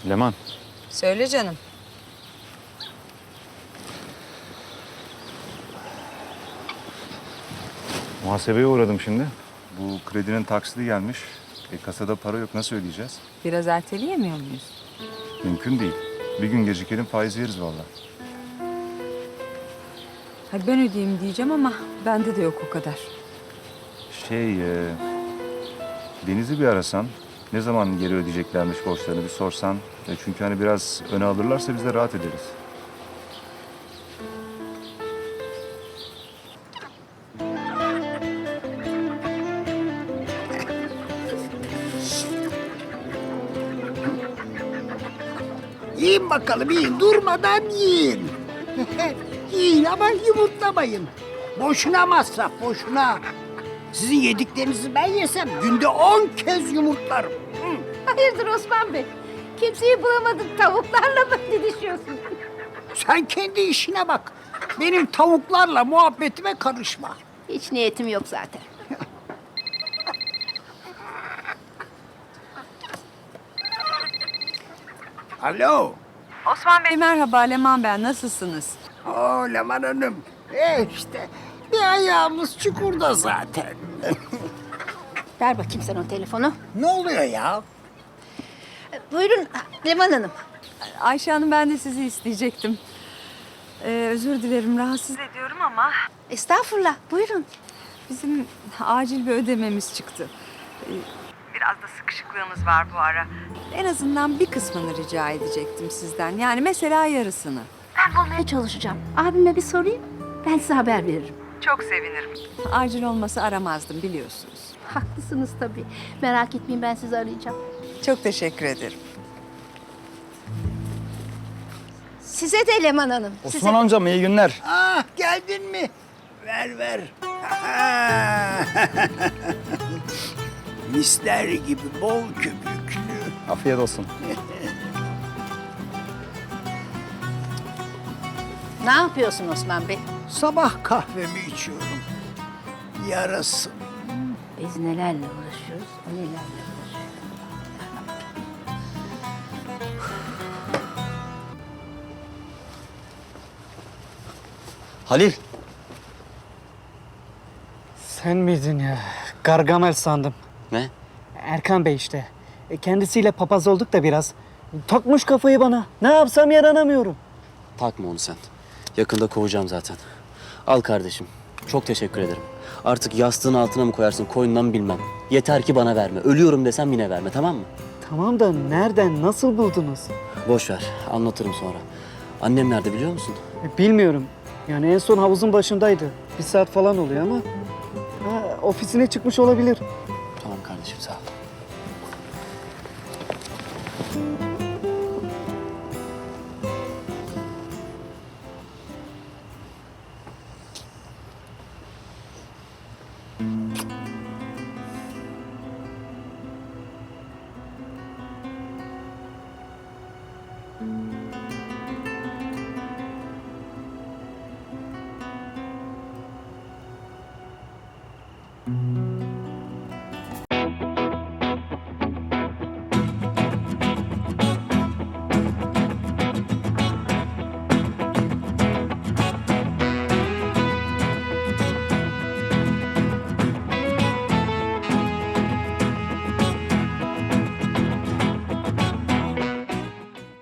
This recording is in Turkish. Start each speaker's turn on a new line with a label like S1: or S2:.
S1: Leman.
S2: Söyle canım.
S1: Muhasebeye uğradım şimdi. Bu kredinin taksidi gelmiş. Kasada para yok. Nasıl ödeyeceğiz?
S2: Biraz erteleyemiyor muyuz?
S1: Mümkün değil. Bir gün gecikelim faiz yeriz vallahi.
S2: Hadi ben ödeyeyim diyeceğim ama bende de yok o kadar.
S1: Deniz'i bir arasan. Ne zaman geri ödeyeceklermiş borçlarını bir sorsan. Çünkü hani biraz öne alırlarsa biz de rahat ederiz.
S3: Yiyin bakalım, yiyin. Durmadan yiyin. Yiyin ama yumurtlamayın. Boşuna masraf, boşuna. Sizin yediklerinizi ben yesem günde 10 kez yumurtlarım.
S4: Hayırdır Osman Bey? Kimseyi bulamadın, tavuklarla mı didişiyorsun?
S3: Sen kendi işine bak. Benim tavuklarla muhabbetime karışma.
S4: Hiç niyetim yok zaten.
S3: Alo.
S2: Osman Bey merhaba, Leman ben. Nasılsınız?
S3: Oo Leman Hanım. İşte bir ayağımız çukurda zaten.
S4: Ver bakayım sen o telefonu.
S3: Ne oluyor ya?
S4: Buyurun Leman Hanım.
S2: Ayşe Hanım ben de sizi isteyecektim. Özür dilerim rahatsız ediyorum ama
S4: Estağfurullah, buyurun.
S2: bizim acil bir ödememiz çıktı. Biraz da sıkışıklığımız var bu ara. En azından bir kısmını rica edecektim sizden. Yani mesela yarısını.
S4: Ben bulmaya çalışacağım. Abime bir sorayım, ben size haber veririm.
S2: Çok sevinirim. Acil olmasa aramazdım biliyorsunuz.
S4: Haklısınız tabii. Merak etmeyin, ben sizi arayacağım.
S2: Çok teşekkür ederim.
S4: Size de Leman Hanım.
S5: Osman amcam iyi günler.
S3: Ah geldin mi? Ver ver. Misler gibi bol köpüklü.
S5: Afiyet olsun.
S4: Ne yapıyorsun Osman Bey?
S3: Sabah kahvemi içiyorum. Yarasın.
S4: Biz nelerle uğraşıyoruz, o nelerle uğraşıyor.
S5: Halil. Sen miydin ya? Gargamel sandım.
S6: Ne?
S5: Erkan Bey işte. Kendisiyle papaz olduk da biraz. Takmış kafayı bana. Ne yapsam yaranamıyorum.
S6: Takma onu sen. Yakında kovacağım zaten. Al kardeşim. Çok teşekkür ederim. Artık yastığın altına mı koyarsın, koynundan mı bilmem. Yeter ki bana verme. Ölüyorum desem yine verme, tamam mı?
S5: Tamam da nereden, nasıl buldunuz?
S6: Boş ver. Anlatırım sonra. Annem nerede biliyor musun?
S5: Bilmiyorum. Yani en son havuzun başındaydı. Bir saat falan oluyor ama... ofisine çıkmış olabilir.
S6: Tamam kardeşim, sağ ol.